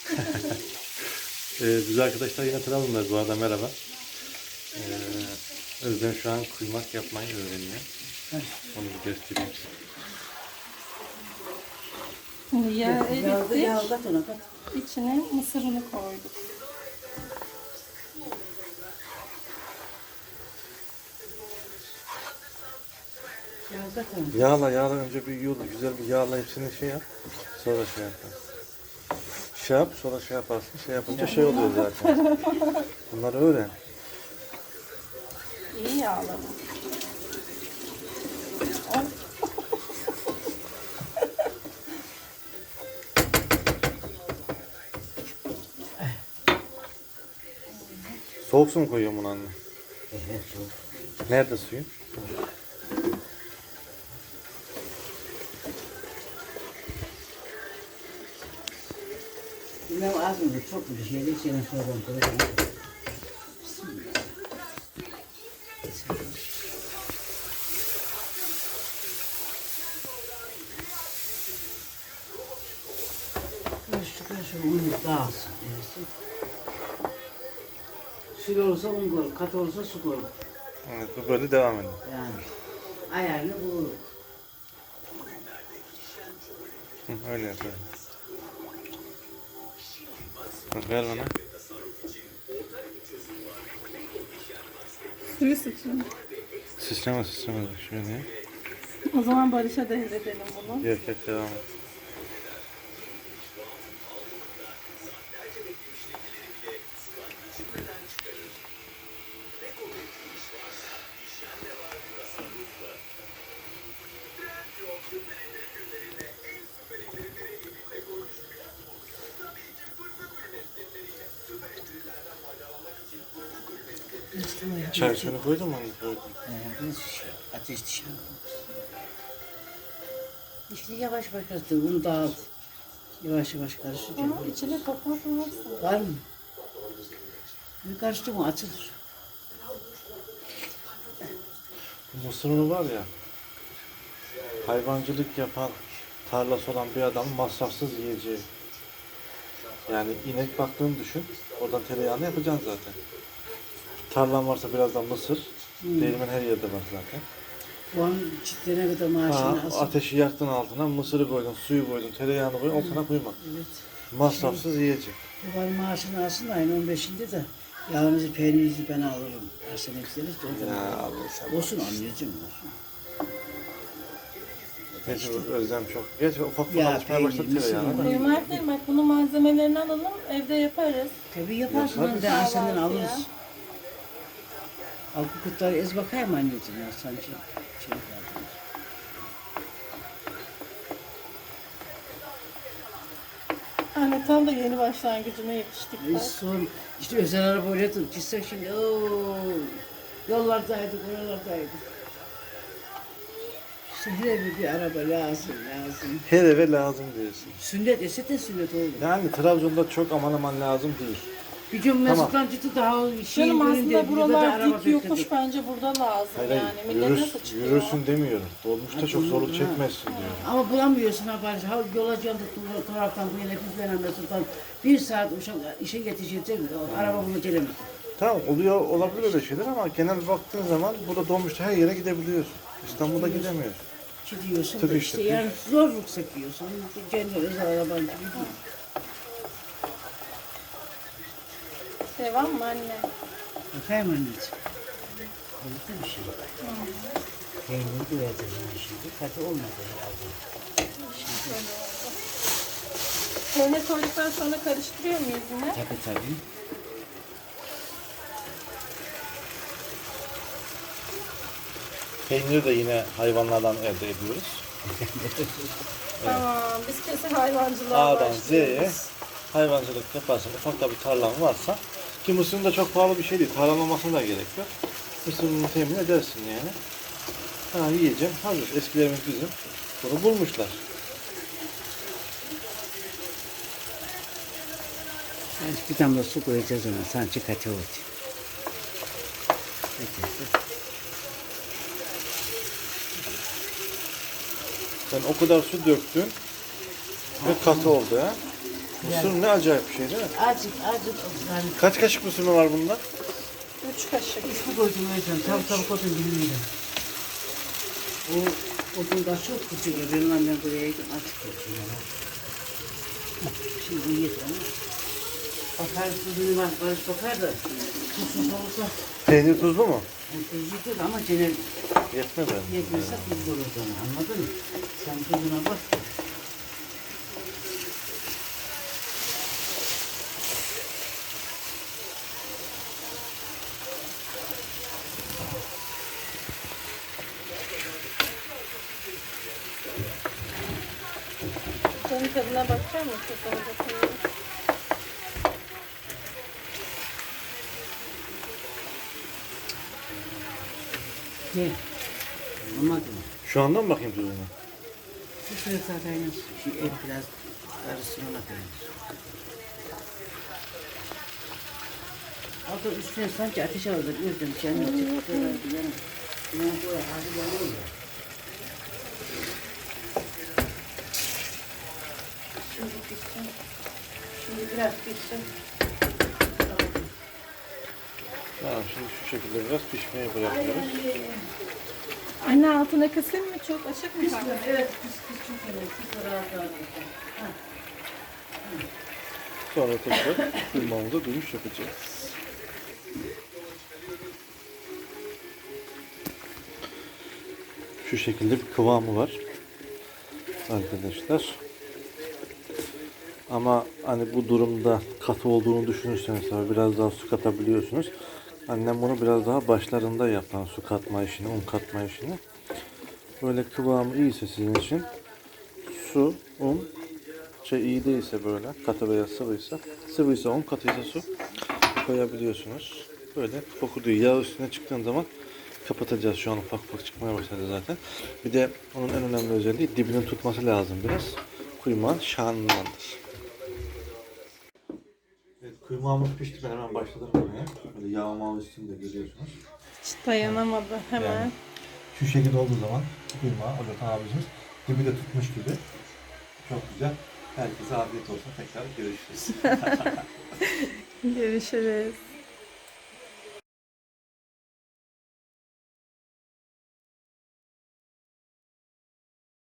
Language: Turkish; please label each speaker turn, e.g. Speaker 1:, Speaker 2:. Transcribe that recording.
Speaker 1: Biz arkadaşlar yine Trabzon'dayız bu arada, merhaba. Özlem şu an kuymak yapmayı öğreniyor. Onu bir göstereyim.
Speaker 2: Şimdi yağı erittik.
Speaker 3: Yağ kat ona kat.
Speaker 2: İçine mısırını koyduk.
Speaker 3: Yağ kat ona.
Speaker 1: Yağla önce bir yoğur, güzel bir yağla hepsini şey yap. Sonra şey yap. Şey yap, sonra şey yaparsın. Şey yapınca şey oluyor zaten. Bunları öğren.
Speaker 2: İyi yağlama.
Speaker 1: Soğuk su mu koyuyorsun bunu anne? Nerede suyun?
Speaker 3: Bilmem az mı çok bir şeydi. Senin sorun koyacağım. Karışık unu dağılsın. Sül olursa un koy, kat olursa su koy.
Speaker 1: Evet, bu böyle devam ediyor.
Speaker 3: Yani ayarını bulur.
Speaker 1: Öyle yapıyor. Bak ver bana.
Speaker 2: Suyu sıçın.
Speaker 1: Sıçrama. Şöyle.
Speaker 2: O zaman Barış'a devredelim bunu.
Speaker 1: Yok devam et. Çay suyunu koydun mu? Koydum.
Speaker 3: Ateş dışarı. İşte yavaş karıştır, bunu dağıt. Yavaş karıştır.
Speaker 2: Ama içine toprak varsa.
Speaker 3: Var mı? Bir karıştır mı açılır.
Speaker 1: Bu mısır unu var ya, hayvancılık yapan, tarlası olan bir adam masrafsız yiyeceği. Yani inek baktığını düşün, oradan tereyağını yapacaksın zaten. Tarlan varsa birazdan mısır, değirmen her yerde var zaten.
Speaker 3: Bu an çiftlerine kadar maaşını asıl.
Speaker 1: Ateşi yaktın altına, mısırı koydun, suyu koydun, tereyağını koydun, o sana kuymak.
Speaker 3: Evet.
Speaker 1: Masrafsız yiyecek.
Speaker 3: Babanın maaşını alsın da ayın 15'inde de yağınızı, peynirinizi ben alırım. Arsene gideriz de o
Speaker 1: Ya
Speaker 3: zaman.
Speaker 1: Allah sen.
Speaker 3: Olsun anneciğim olsun.
Speaker 1: Mecbur Özlem çok. Geç ufak
Speaker 3: Ya,
Speaker 1: alışmaya başladı
Speaker 3: peynir,
Speaker 1: tereyağına da.
Speaker 3: mısır.
Speaker 2: Kuymak değil, bak bunun malzemelerini alalım, evde yaparız.
Speaker 3: Tabii yaparsın,
Speaker 1: Yaparız.
Speaker 3: onu da Arsen'den
Speaker 2: Kahvaltıya.
Speaker 3: alırız. Al bu kutları ez bakayım anneciğim ya sanki şey kaldınız.
Speaker 2: Anne tam da yeni başlangıcına yetiştik. bak.
Speaker 3: Son işte özel arabayla tutup gitsek şimdi yollardaydık, oralardaydık. Şehre bir araba lazım.
Speaker 1: Her eve lazım diyorsun.
Speaker 3: Sünnet ese de sünnet oldu.
Speaker 1: Yani Trabzon'da çok aman lazım değil.
Speaker 3: Bir gün Mesut'tan çıktı daha şey
Speaker 2: Canım
Speaker 3: görünce
Speaker 2: aslında
Speaker 3: bir de
Speaker 2: buralar
Speaker 3: araba
Speaker 2: dik yokuş
Speaker 3: bekledik.
Speaker 2: bence burada lazım
Speaker 1: Hayır,
Speaker 2: yani. Millet nasıl çıkıyor?
Speaker 1: yürürsün demiyorum. Dolmuşta çok zorluk çekmezsin diyorum.
Speaker 3: Ama bulamıyorsun ha bari. Ha yola canlı taraftan bu yana bizden Mesut'tan bir saat işe yetişecek araba bunu gelemez.
Speaker 1: Tamam oluyor, olabilir öyle şeyler ama genel baktığın zaman burada dolmuşta her yere gidebiliyorsun. İstanbul'da gidemiyorsun.
Speaker 3: Gidiyorsun
Speaker 1: Tabii
Speaker 3: da
Speaker 1: işte,
Speaker 3: işte yani zorluk çekiyorsun. Kendi özel araban gibi değil.
Speaker 2: Devam mı anne?
Speaker 3: Efendim anneciğim. Oldu bir şey. Peyniri koyacağız şimdi. Katı olmadı herhalde.
Speaker 2: Peynir koyduktan sonra karıştırıyor muyuz yine?
Speaker 3: Tabii.
Speaker 1: Peyniri de yine hayvanlardan elde ediyoruz.
Speaker 2: Tamam, biz kesin hayvancılığa
Speaker 1: A'dan Z'ye
Speaker 2: başlıyoruz.
Speaker 1: hayvancılık yaparsan, ufak da bir tarlan varsa, ki mısırın da çok pahalı bir şey değil, tarlamamasına da gerek yok. Mısırını temin edersin yani. Ha yiyeceğim, hazır. Eskilerimiz bizim bunu bulmuşlar.
Speaker 3: Bir damla su koyacağız ona. Sanki katı oldu.
Speaker 1: Sen o kadar su döktün ve katı oldu ha. Mısır ne acayip bir şey değil mi?
Speaker 3: Azıcık yani
Speaker 1: Kaç kaşık mısır mı var bunda?
Speaker 2: 3 kaşık.
Speaker 3: üstü koydum öyle. Tabii koydum bilmiyorum. O gün daha çok küçük ya. Benim annem buraya gidip açık koyuyor. Şimdi bu yeter ama. Bakar tuzunu var. Barış bakar da tuzsuz olursa
Speaker 1: Peynir tuzlu mu?
Speaker 3: tuzludur ama genel
Speaker 1: Yetmez mi?
Speaker 3: yetmezse tuzlu olur sana. Anladın mı? Sen tuzuna bak.
Speaker 2: Canın tadına bakacak mısın? Sana bakayım.
Speaker 3: Gel. Olmadı mı?
Speaker 1: Şu andan mı bakayım tuzuna?
Speaker 3: Bu süre zaten et biraz karışsın ona koyulur. Orada üstüne sanki ateş alır. Özlem kendini çıktı. Ben buraya hadi geliyorum ya.
Speaker 2: Şimdi pişsin. Şimdi biraz pişsin.
Speaker 1: Tamam, şimdi şu şekilde biraz pişmeye bırakıyoruz.
Speaker 2: Anne altına kısayım mı? Çok açık mı kaldı?
Speaker 3: Evet, kız çok önemli. Kız rahat rahat.
Speaker 1: Sonra tekrar kıymamıza dönüş yapacağız. Şu şekilde bir kıvamı var arkadaşlar. Ama hani bu durumda katı olduğunu düşünürseniz tabii biraz daha su katabiliyorsunuz. Annem bunu biraz daha başlarında yapan su katma işini, un katma işini. Böyle kıvamı iyiyse sizin için su, un, iyi değilse böyle katı veya sıvıysa un, katıysa su koyabiliyorsunuz. Böyle fokurduyor. Yağ üstüne çıktığın zaman kapatacağız. Şu an ufak ufak çıkmaya başladı zaten. Bir de onun en önemli özelliği dibinin tutması lazım biraz. Kuymağın şanındandır. Evet, kuymağımız pişti. Ben hemen başladım buraya. Böyle yağmağı üstünde görüyorsunuz.
Speaker 2: Hiç dayanamadı hemen.
Speaker 1: Yani şu şekilde olduğu zaman kuymağı Ocak abicimiz dibi de tutmuş gibi. Çok güzel. Herkese afiyet olsun. Tekrar görüşürüz.
Speaker 2: Görüşürüz.